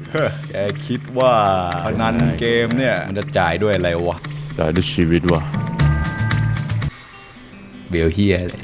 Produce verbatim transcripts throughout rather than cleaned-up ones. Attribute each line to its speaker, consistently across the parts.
Speaker 1: แกคิดว่าพนันเกมเนี่ยมันจะจ่ายด้วยอะไรวะ
Speaker 2: จ่ายด้วยชีวิตวะ
Speaker 1: เบลเฮียเลย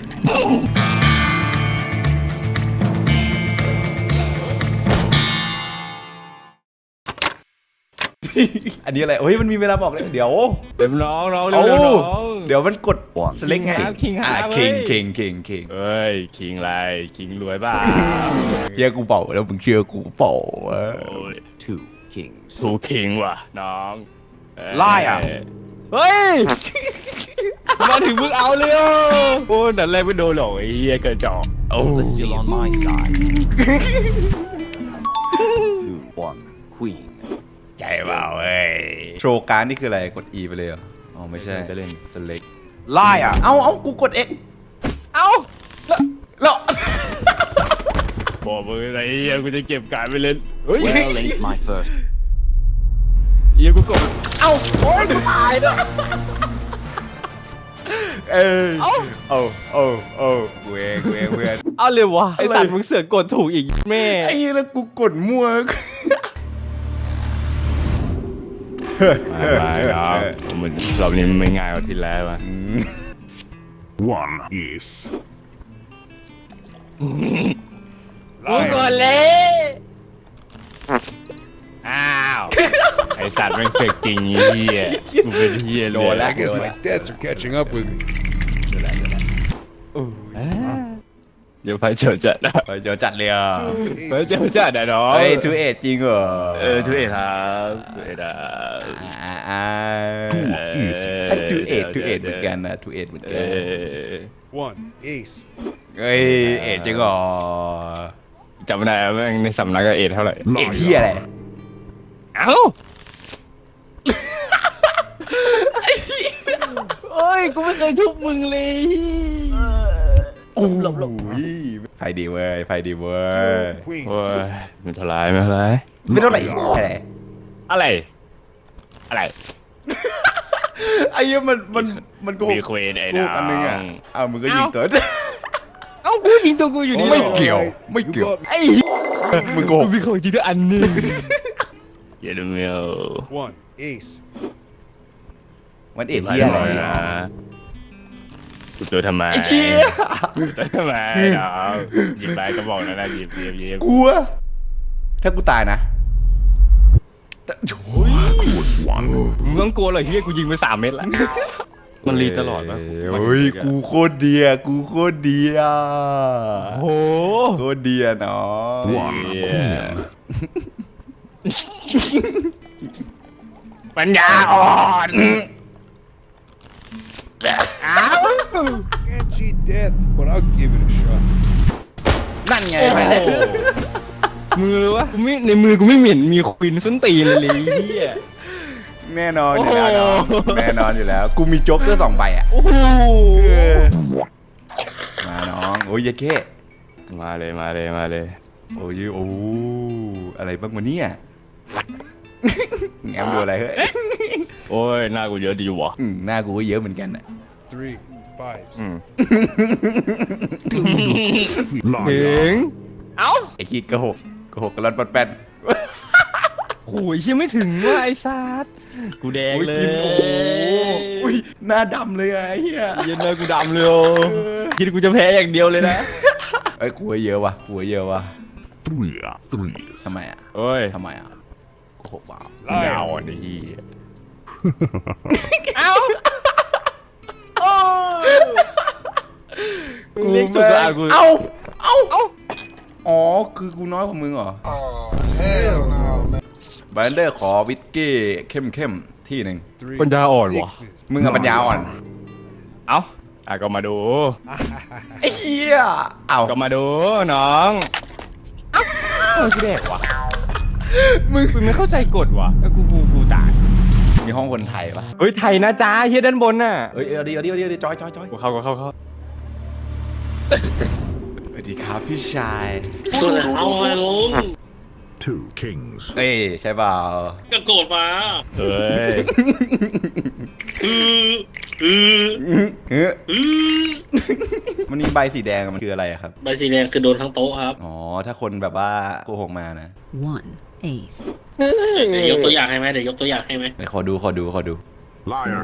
Speaker 1: อันนี้อะไรเฮ้ยมันมีเวลาบอกเลยเดี๋ยว
Speaker 2: เดี๋ยวน้องน้องเร็วน้อง
Speaker 1: เดี๋ยวมันกดสเล็กไง
Speaker 2: คิงฮาร์
Speaker 1: คิงคิงคิงคิง
Speaker 2: เฮ้ยคิงไรคิงรวยบ้า
Speaker 1: เชื่อกูเปล่าแล้วมึงเชื่อกูเปล่า
Speaker 3: two kings
Speaker 2: ทูคิงว่ะน้อง
Speaker 3: ไล่อะ
Speaker 2: เฮ้ยมาถึงมึงเอาเลยโอ้แต่แรกไม่โดนหรอกไอ้เหี้ยกระจอก
Speaker 1: โอ้
Speaker 3: still on my side two one queen
Speaker 1: ใจเปล่าเอ้ยโชว์การนี่คืออะไรกด E ไปเลยเหรออ๋อไม่ใช่จะเล่น select
Speaker 3: ไล่อะ
Speaker 1: เอาเอากูกด X
Speaker 2: เอา
Speaker 1: แล้ว
Speaker 2: บอกมึงไอ้เหี้ยกูจะเก็บการไปเล่นเฮ้ย
Speaker 3: well ain't my first
Speaker 2: เหี้ยกูกด
Speaker 1: เอาโอ้ยกูตายแล้วเออเอาเอาเอาเอาเว้ยเว้ยเว้ย
Speaker 2: เอาเลยวะไอสัตว์มึงเสือกกดถูกอีกแม่
Speaker 1: ไอ้เหี้ยแล้วกูกดมั่ว
Speaker 2: ไม่ครับมันรอบนี้มันไม่ง่ายกว่าที่แล้วอ่ะ
Speaker 4: one is
Speaker 2: กูกดเลยอ้าวไอสัตว์แม่งเสือกจริงเหี้ยกูเป็นเหี้ยเลย
Speaker 4: I guess my debts are catching up with me
Speaker 2: เดี๋ยวไฟเจียวจัดนะ
Speaker 1: ไปเจอจัดเลยอ่ะ
Speaker 2: ไฟเจียวจัดนะน้อง
Speaker 1: เฮ้ยทูเอ็ดจริงเหรอ
Speaker 2: เออทูเอ็ดครับทูเอ็ดอ่ะ
Speaker 1: อ่าอ่าทูเอ็ดทูเอ็ดเหมือนกันนะทูเอ็ดเหมือนกัน
Speaker 4: one ace
Speaker 1: เฮ้ยเอ็ดจริงเหรอ
Speaker 2: จำไม่ได้แม่งในสำนักก็เอ็ดเท่าไหร่
Speaker 1: เอ็ดที่อะไร
Speaker 2: เอ้าโอ้ยกูไม่เคยทุบมึงเลย
Speaker 1: โอ้หลบหลบไฟดีเว้ยไฟดีเว้ย
Speaker 2: โอ้ยไม่เท่าไรไม่เท่าไร
Speaker 1: ไม่เท่าไหร่อะไร
Speaker 2: อะไรอะไร
Speaker 1: ไอ้เหี้ยมันมันมันโกหก
Speaker 2: มีควีนไอ้น้อง
Speaker 1: อันนึงอ่ะอ้าวมึงก็ยิงเกิด
Speaker 2: เอ้ากูยิงตัวกูอยู่นี่
Speaker 1: ไม่เกี่ยวไม่เกี่ยว
Speaker 2: ไอ้
Speaker 1: มึงโกหก
Speaker 2: มีคนยิงตัวอันนึงเยอะเลย
Speaker 4: one ace
Speaker 1: วันเอ็ดที่อะไร
Speaker 2: กูตัวทำไม
Speaker 1: ไอ้เชี่ย
Speaker 2: ตัวทำไมน้องหยิบไปก็บอกนะนะหยิบหยิบหยิบ
Speaker 1: กลัวถ้ากูตายนะโอ้ย
Speaker 2: มึงต้องกลัวเลยเฮียกูยิงไปสามเม็ดแล้วมันรีตลอดปะ
Speaker 1: เฮ้ยกูโคตรเดียกูโคตรเดีย
Speaker 2: โห
Speaker 1: โคตรเดียน้อง
Speaker 2: ปัญญาอ่อน
Speaker 4: can't cheat death but I'll give it a shot
Speaker 1: นั่นไงไปเลย
Speaker 2: มือวะกูไม่ในมือกูไม่เหม็นมีควินส้นตีนเลยเฮีย
Speaker 1: แน่นอนอยู่แล้วแน่นอนอยู่แล้วกูมีโจ๊กเกอร์สองใบอ่ะ
Speaker 2: โอ้โห
Speaker 1: มาน้องโอ้ยเยเก้
Speaker 2: มาเลยมาเลยมาเลย
Speaker 1: โอ้ยโอ้อะไรบ้างวะเนี่ยแง้มดูอะไรเฮ้ย
Speaker 2: โอ้ยหน้ากูเยอะดีวะ
Speaker 1: หน้ากูก็เยอะเหมือนกันอ่ะ
Speaker 4: three fives
Speaker 2: เฮ้งเอ้า
Speaker 1: ไอ้ขี้กระหกกระหกกระลันปัดแปด
Speaker 2: โอ้ยยังไม่ถึงว่าไอ้ซาดกูแดงเลย
Speaker 1: โอ้ยหน้าดำเลยไอ้เหี้ย
Speaker 2: เย็นเลยกูดำเลยคิดกูจะแพ้อย่างเดียวเลยนะ
Speaker 1: ไอ้กูเยอะว่ะกูเยอะว่ะ
Speaker 4: three three
Speaker 1: ทำไมอ่ะ
Speaker 2: เอ้ย
Speaker 1: ทำไมอ่ะโอ้โหว้า
Speaker 2: วยาวอ่ะนี่เอ้าโอ้
Speaker 1: กูเล็กสุดละกูเอ้าเอ้าอ๋อคือกูน้อยกว่ามึงเหรอแบนเดอร์ขอวิสกี้เข้มเข้มที่หนึ่ง
Speaker 2: ปัญญาอ่อนวะ
Speaker 1: มึงอะปัญญาอ่อน
Speaker 2: เอ้าอ่ะก็มาดู
Speaker 1: ไอ้เหี้ยเอ้า
Speaker 2: ก็มาดูน้องเอ้ากูแดกวะมึงมึงไม่เข้าใจกฎวะแล้วกูกูกูตาย
Speaker 1: มีห้องคนไทยปะ
Speaker 2: เฮ้ยไทยนะจ้าเฮียด้านบนน่ะ
Speaker 1: เฮ้ยเอาดิเอาดิเอาดิจอยจอยจอย
Speaker 2: กูเข้ากูเข้าเข้า
Speaker 1: สวัสดีครับพี่ชาย
Speaker 5: สวัสดีครับไอ้ลุง
Speaker 4: two kings
Speaker 1: เอ้ยใช่เปล่า
Speaker 5: ก็โกรธมา
Speaker 2: เฮ้ย
Speaker 5: อืออือ
Speaker 1: อืออือมันมีใบสีแดงมันคืออะไรครับ
Speaker 5: ใบสีแดงคือโดนทั้งโต๊ะครับ
Speaker 1: อ๋อถ้าคนแบบว่าโกหกมานะ
Speaker 6: one ace.
Speaker 5: เดี๋ยวยกตัวอย่างให้ไหมเดี๋ยวยกตัวอย่างให้ไหม
Speaker 1: ไหนขอดูขอดูขอดู
Speaker 4: Liar.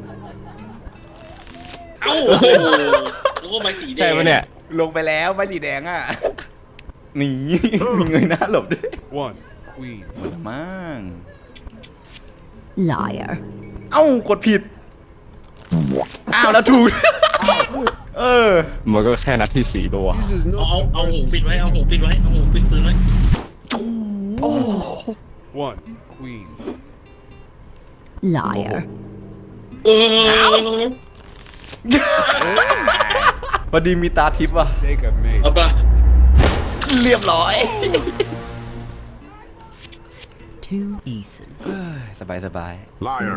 Speaker 5: เอ้าโอ้โหนึกว่าไม้สีแดง
Speaker 2: ใช่ปะเนี่ย
Speaker 1: ลงไปแล้วใบสีแดงอ่ะหนี มีเงยหน้าหลบด้วย
Speaker 4: One. Queen.
Speaker 1: หมดละมั้ง
Speaker 6: Liar.
Speaker 1: เอ้ากดผิด อ้าวแล้วถูก เออ
Speaker 2: มันก็แค่นัดที่สี่ตัว
Speaker 4: This is
Speaker 5: เอา
Speaker 4: not
Speaker 5: เอาเอาหูปิดไว้เอาหูปิดไว้เอาหูปิดปืนไว้
Speaker 4: one. Queen.
Speaker 6: Liar.
Speaker 5: เออ
Speaker 1: พอดีมีตาทิพย์ว่ะ
Speaker 4: Mistake I've made.
Speaker 5: เอาปะ
Speaker 1: เรียบร้อย
Speaker 6: Two aces.
Speaker 1: สบายสบาย
Speaker 4: Liar.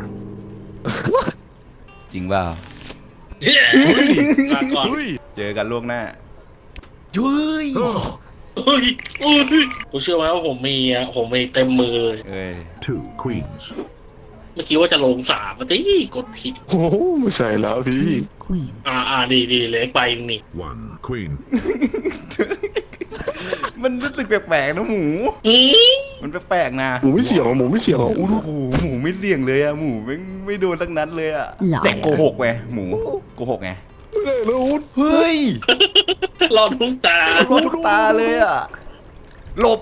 Speaker 1: จริงเปล่า
Speaker 5: เย้มาก่อน
Speaker 1: เจอกันล่วงหน้าจุ้ย
Speaker 5: เฮ้ยเฮ้ยผมเชื่อไหมว่าผมมีอ่ะผมมีเต็มมือเลย
Speaker 1: เอ้ย
Speaker 4: Two. Queens.
Speaker 5: เมื่อกี้ว่าจะลงสามมาตีกดผิด
Speaker 2: โอ้โหไม่ใช่แล้วพี่
Speaker 6: Queen.
Speaker 5: อ่าอ่าดีดีเล็กไปนี่
Speaker 4: One. Queen.
Speaker 1: มันรู้สึกแปลกๆนะหมู
Speaker 5: อืม
Speaker 1: มันแปลกๆนะ
Speaker 2: หมูไม่เสี่ยงหรอหมูไม่เสี่ยงหรอ
Speaker 1: โอ้โหหมูไม่เสี่ยงเลยอะหมูไม่ไม่โดนสักนัดเลยอะ
Speaker 6: หลาย
Speaker 1: แต่โกหกไงหมูโกหกไง
Speaker 2: ไม่ได้แล้วอุ๊ด
Speaker 1: เฮ้ย
Speaker 5: รอดทุกตาร
Speaker 1: อดทุกตาเลยอะหลบ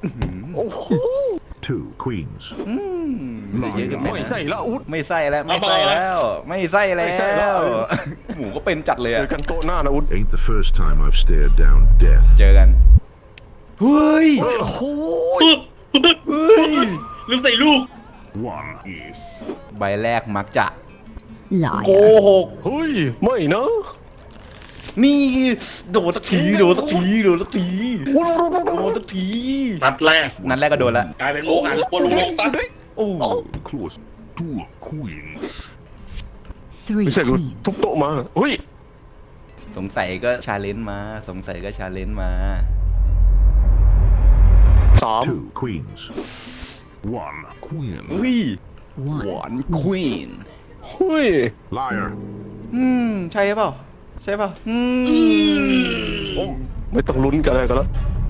Speaker 4: Two. Queens.
Speaker 1: อืมเยอะเกินไป
Speaker 2: ไม่
Speaker 1: นะ
Speaker 2: ใส่แล้วอุ๊ด
Speaker 1: ไม่ใส่แล้วไม่ใส่แล้ว ไม่ใส่แล้
Speaker 2: ไม่ใส่แล้ว
Speaker 1: ว หมูก็เป็นจัดเลย
Speaker 2: เจ
Speaker 1: อะ
Speaker 2: อกันโต๊ะหน้านะอุ๊ด
Speaker 4: Ain't the first time I've stared down death.
Speaker 1: เจอกันเฮ้ย
Speaker 2: โอ้โห
Speaker 5: ปึ๊บ
Speaker 1: เฮ้ย
Speaker 5: ลืมใส่ลูก
Speaker 4: One is.
Speaker 1: ใบแรกมักจะโก
Speaker 6: Liar.
Speaker 1: หก
Speaker 2: เฮ้ยไม่นะ
Speaker 1: นี่โดนสักทีโดนสักทีโดนสักทีโดนสักที
Speaker 5: นัดแรก
Speaker 1: นัดแรกก็โดนละ
Speaker 5: กลายเป็นโมหันบนลงตัด
Speaker 1: โอ้
Speaker 4: Close. Two. Queens.
Speaker 6: Three
Speaker 2: ไม่ใช่กู
Speaker 6: queens.
Speaker 2: ทุบโต๊ะมาเฮ้ย
Speaker 1: สงสัยก็ชาเลนจ์มา สงสัยก็ชาเลนจ์มา
Speaker 2: สาม
Speaker 4: Two. Queens. One. Queen.
Speaker 1: อุ้ย
Speaker 6: One.
Speaker 1: หวานควีน
Speaker 2: เฮ้ย
Speaker 4: Liar.
Speaker 1: อืม ใช่เปล่า ใช่เปล่า อืม
Speaker 2: ไม่ต้องลุ้นกันเลยกันแล้ว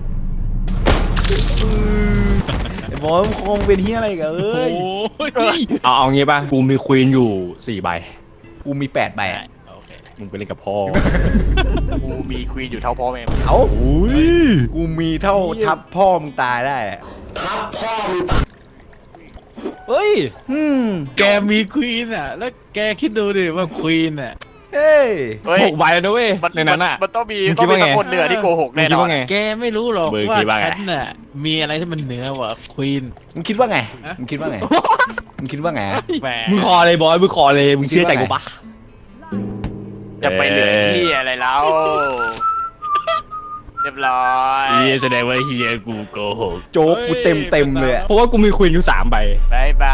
Speaker 1: ไอ้บอสคงเป็นเฮียอะไรกันเอ้ย
Speaker 2: เอาเอางี้ป่ะกูมีควีนอยู่สี่ใบ
Speaker 1: กูมีแปดใบอะ
Speaker 2: มึงไปเล่นกับพ่อ
Speaker 7: กูมีควีนอยู่เท่าพ่อแม่
Speaker 1: เอ้า
Speaker 2: อุ้ย
Speaker 1: กูมีเท่าทับพ่อมึงตายได้อะ
Speaker 7: เฮ้ย
Speaker 1: อืม
Speaker 7: แกมีควีนอ่ะ แล้วแกคิดดูดิว่าควีนอ่ะ
Speaker 1: เฮ้ย
Speaker 7: เฮ้ย
Speaker 2: หกใบแล้วนะเว้ย
Speaker 7: มัน
Speaker 2: ในนั้นอ่ะ
Speaker 7: มันต้องมี
Speaker 2: มึงคิ
Speaker 7: ต้อ
Speaker 2: ด
Speaker 7: งมี
Speaker 2: ว่าไง
Speaker 7: ตะคนเหนือที่โกหก
Speaker 2: มึง
Speaker 7: แน่
Speaker 2: คิด
Speaker 7: นอน
Speaker 2: ว่าไง
Speaker 7: แกไม่รู้หรอก
Speaker 2: มึง
Speaker 7: ว่า
Speaker 2: คิดว่าไง
Speaker 7: ฉันน่ะมีอะไรที่มันเหนือกว่าควีน
Speaker 1: มึงคิดว่าไง มึงคิดว่าไง มึงคิดว่าไง
Speaker 7: แหม
Speaker 2: มึงคอเลยบอยมึงคอเลยมึงเชื่อใจกูปะ
Speaker 7: จะไปเหลือที่อะไรแล้วเรียบร้อย
Speaker 2: เฮียแสดงว่าเฮียกูโกหก
Speaker 1: โจ๊กกูเต็มเต็มๆเลยอะ
Speaker 2: เพราะว่ากูมีควีนอยู่สามใบบ
Speaker 7: ายบาย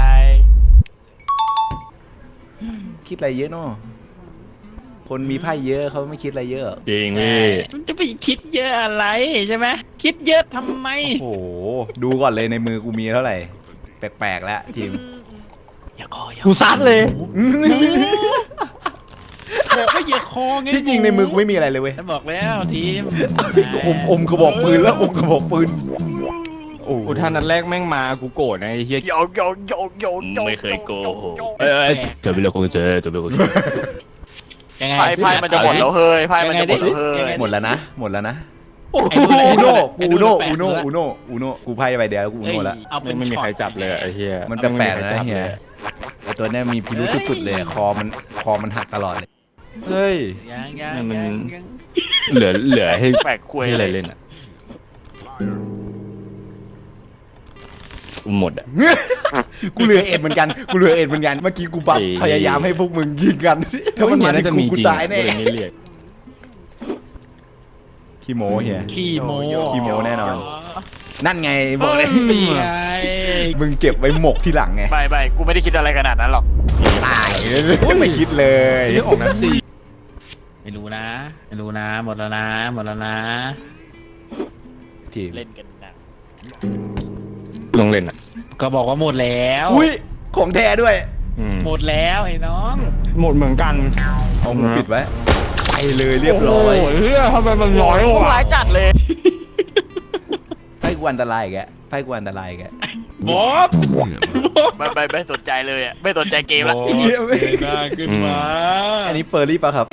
Speaker 1: คิดอะไรเยอะเนาะคนมีไพ่เยอะเขาไม่คิดอะไรเยอะ
Speaker 2: จริงพี่
Speaker 7: มันจะไปคิดเยอะอะไรใช่ไหมคิดเยอะทำไม
Speaker 1: โอ้โห ดูก่อนเลยในมือกูมีเท่าไหร่ แปลกๆแล้วทีม
Speaker 7: อย่าคออย่า
Speaker 2: กูซัดเลย
Speaker 7: บอกว่าอย่าคอไง
Speaker 1: ที่จริงในมือกูไม่มีอะไรเลยเว้ย
Speaker 7: ฉันบอกแล้วทีม
Speaker 1: อมอมกระบอกปืนแล้วอมกระบอกปืน โอ้โห
Speaker 2: กูท่านัดแรกแม่งมากูโกรธนะไอ้เฮีย
Speaker 7: โยโยโยโยโย
Speaker 2: ไม่เคยโกหกเอ้ยเจอไปเลยคงเจอเจอไปเลยคงเจอ
Speaker 7: ยังไงไพ่ไพ่มันจะหมดแล้วเฮ้ยไพ่มันจะหมดแล้วเฮ้ย
Speaker 1: หมดแล้วนะ หมดแล้วนะ
Speaker 7: ไอ้
Speaker 1: อูโน่
Speaker 7: ไอ้
Speaker 1: อูโน่
Speaker 7: แปลก
Speaker 1: อูโน่
Speaker 7: ด้วย
Speaker 1: อูโน่อูโน่กูไพ่ใบเดียวแล้วกูอู
Speaker 7: เอ้ย
Speaker 1: โน่แล้ว
Speaker 7: เอาเป็
Speaker 2: ไม่
Speaker 7: น
Speaker 2: ไม่มีใครจับเลยอะไอ้เฮีย
Speaker 1: มันแปลกๆนะเฮียไอตัวเนี้ยมีพิรุธสุดๆเลย คอมันคอมันหักตลอดเลย เฮ้ย
Speaker 7: ยังยัง
Speaker 2: มัน
Speaker 7: ยังยัง
Speaker 2: เหลือเหลือให้
Speaker 7: แปลกคุย
Speaker 2: ให้อะไรเล่นอ่ะกูหมดอ่ะ
Speaker 1: กูเหลือเอ็ดเหมือนกัน กูเหลือเอ็ดเหมือนกัน เมื่อกี้กูปั๊บ
Speaker 2: เอ้ย
Speaker 1: พยายามให้พวกมึงยิงกัน ถ้ามันมาถึงกูกูตายแน่
Speaker 2: กูเลยไม่เรียก
Speaker 1: ขี้โมเฮีย
Speaker 7: ขี้โม
Speaker 1: ขี้โม้แน่นอน นั่นไงบอกเลย
Speaker 7: นี่ไง
Speaker 1: มึงเก็บไว้หมกที่หลังไง
Speaker 7: ไม่ไม่กูไม่ได้คิดอะไรขนาดนั้นหรอก
Speaker 1: ตายไม่คิดเลย
Speaker 2: เรื่องออกนัดสี่
Speaker 7: ไม่รู้นะไม่รู้นะหมดแล้วนะหมดแล้วนะ
Speaker 1: ทีม
Speaker 7: เล่นกันนะ
Speaker 2: ลงเล่นอ่ะ
Speaker 7: ก็บอกว่าหมดแล้ว
Speaker 1: อุ้ยของแท้ด้วย
Speaker 2: อืม
Speaker 7: หมดแล้วไอ้น้อง
Speaker 2: หมดเหมือนกัน
Speaker 1: เอามือปิดไว้ไปเลยเรียบร้อย
Speaker 2: โโหเฮียทำไมมันน้อย
Speaker 7: พวก
Speaker 2: วะ
Speaker 7: ร้ายจัดเลย
Speaker 1: ไอ้กูอันตรายอีกแกไพ่กูอันตรายอีกแก
Speaker 2: บอส
Speaker 4: Queen.
Speaker 7: ไม่ไม่ไม่สนใจเลยอ่ะไม่สนใจเกมละ
Speaker 2: บอสเงยหน้าขึ้นมา
Speaker 1: อันนี้เฟอร์รี่ป่ะครับ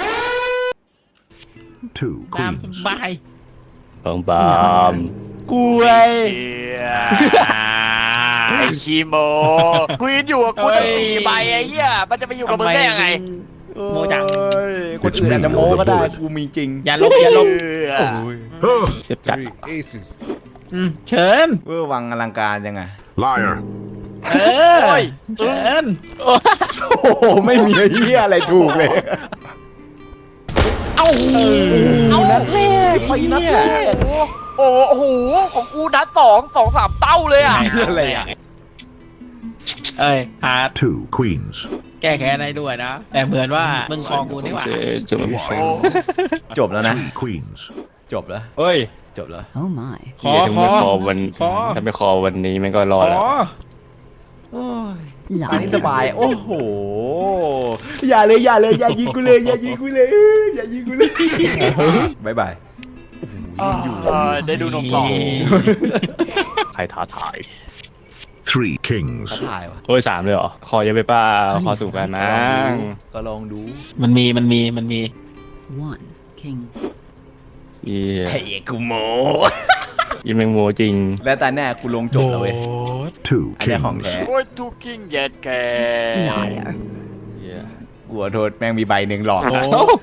Speaker 4: Two
Speaker 2: ตามส
Speaker 4: queens.
Speaker 2: บาย
Speaker 7: บางบาม
Speaker 1: กูไอ
Speaker 7: เชียไอคีโมคุยอยู่กับกูตั้งสี่ใบไอ้เหี้ยมันจะไปอยู่กับมึงได้ยังไง
Speaker 2: โมจัง
Speaker 1: โอ้ยคนอื่นอาจจะโมก็ได้กูมีจริง
Speaker 2: อย่าลบอย่าลบ
Speaker 7: เชื่อ
Speaker 2: เสียบจัด
Speaker 4: Three aces.
Speaker 2: อืมเชิญ
Speaker 1: เวอร์วังอลังการยังไง
Speaker 4: Liar.
Speaker 2: เออ
Speaker 7: โอ้ย
Speaker 2: เชิญ
Speaker 1: โอ้โหไม่มีเหี้ยอะไรถูกเลย
Speaker 2: เอ้านัดแรก
Speaker 1: ไปนัดแรก
Speaker 7: โอ้โหโอ้โหของกูนัดสองสองสามเต้าเลยอ่ะ
Speaker 1: อะไรอ่ะ
Speaker 2: เอ้ยหา
Speaker 4: Two queens.
Speaker 2: แก้แค้นได้ด้วยนะ แต่เหมือนว่ามึงคอกูนี่หว่า
Speaker 1: จบแล้วนะ
Speaker 4: Three queens.
Speaker 1: จบแล้ว
Speaker 2: เฮ้ย
Speaker 1: จบแล้ว
Speaker 6: Oh my.
Speaker 2: ขอขอขอวัน
Speaker 8: ถ้าไม่คอวันนี้มันก็รอดแล้ว
Speaker 1: โอ้ย
Speaker 6: Liar.
Speaker 1: อันนี้สบาย โอ้โห อย่าเลยอย่าเลยอย่ายิงกูเลยอย่ายิงกูเลยอย่ายิงกูเลยบายบาย
Speaker 7: เออได้ดูนมต่อ
Speaker 8: ใครท้าทาย
Speaker 4: Three
Speaker 1: เขา
Speaker 4: kings.
Speaker 1: ถ่ายวะ
Speaker 8: โอ้ยสามเลยเหรอ คอเยอะไปเป้าคอสูงกันมั้ง
Speaker 1: ก็ลองดู
Speaker 2: มันมีมันมีมันมี
Speaker 6: One king.
Speaker 8: เอีย
Speaker 1: ไอ้กูโม
Speaker 8: ยิงแมงโมจริง
Speaker 1: และตาแน่กูลงจบแล้วเว้ย
Speaker 4: Two
Speaker 1: อันนี้ของ
Speaker 4: kings.
Speaker 1: แท้
Speaker 7: โอ้ยทูกิ้งเย็ดแก
Speaker 6: Liar.
Speaker 8: เหี้ย
Speaker 1: กูขอโทษแม่งมีใบหนึ่งหลอก
Speaker 2: โอ้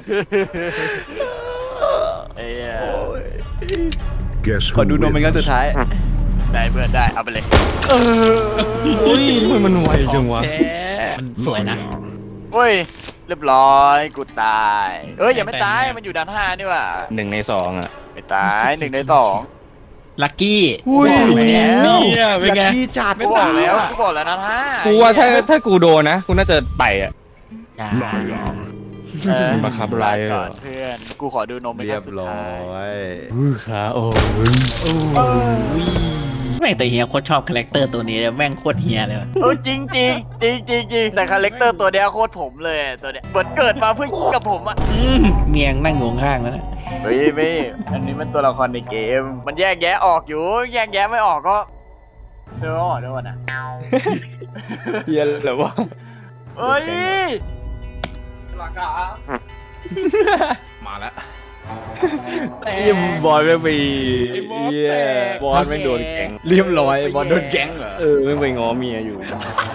Speaker 7: ไอ้เหี้ย
Speaker 4: Guess
Speaker 1: ขอ
Speaker 4: who
Speaker 1: ดูนมเป็นครั้ง
Speaker 4: wins?
Speaker 1: สุดท้าย
Speaker 7: ได้เพื่อนได้เอาไปเลย
Speaker 8: เฮ้ยทำไมมันไวจังวะ
Speaker 2: แท้มันสวยนะ
Speaker 7: เฮ้ยเรียบร้อยกูตายเอ้ยอย่าไม่ตายมันอยู่ด้านห้านี่ว่ะ
Speaker 8: หนึ่งในสองอ่ะ
Speaker 7: ไม่ตายหนึ่งในสอง
Speaker 2: ลักกี้
Speaker 1: อุ้ย
Speaker 2: แล้วเนี่ยเป็นไง
Speaker 1: ลัคกี้จัด
Speaker 7: กูบอกแล้วกูบอกแล้วนะห้า
Speaker 8: กูว่าถ้าถ้ากูโดนนะ กูน่าจะไปอ่ะ
Speaker 4: Liar.
Speaker 7: เออ
Speaker 8: บังคับไล่เหรอ
Speaker 7: ก่อนเพื่อนกูขอดูนมเป็น
Speaker 1: เรี
Speaker 7: ค
Speaker 1: ย
Speaker 7: รั้
Speaker 1: บ
Speaker 7: งสุด
Speaker 1: ร้อ
Speaker 7: ท้าย
Speaker 1: ย
Speaker 8: ขาโอ้
Speaker 2: แม่งแต่เฮียโคตรชอบคาแรคเตอร์ตัวนี้เลยแม่งโคตรเฮียเลยว่ะ
Speaker 7: เออจริงจริงจริงจริงจริงแต่คาแรคเตอร์ตัวเนี้ยโคตรผมเลยตัวเนี้ยเหมือนเกิดมาเพื่อกับผมอ่ะ
Speaker 2: อืมเมียงนั่งงงข้างแล้วนะ
Speaker 7: เฮ้ยไม่อันนี้มันตัวละครในเกม มันแยกแยะออกอยู่ แยกแยะไม่ออกก็เดี๋ยวก่อนเดี๋ยวก่อนนะ
Speaker 8: เฮียเหรอวะ
Speaker 7: เฮ้ยหลักอะ
Speaker 1: มาแล้ว
Speaker 8: ยิมบอลไม่มีเฮียบอลไม่โดนแก๊ง
Speaker 1: เรียบร้อยบอลโดนแก๊งเหรอ
Speaker 8: เออไม่ไปง้อเมียอยู่
Speaker 4: Two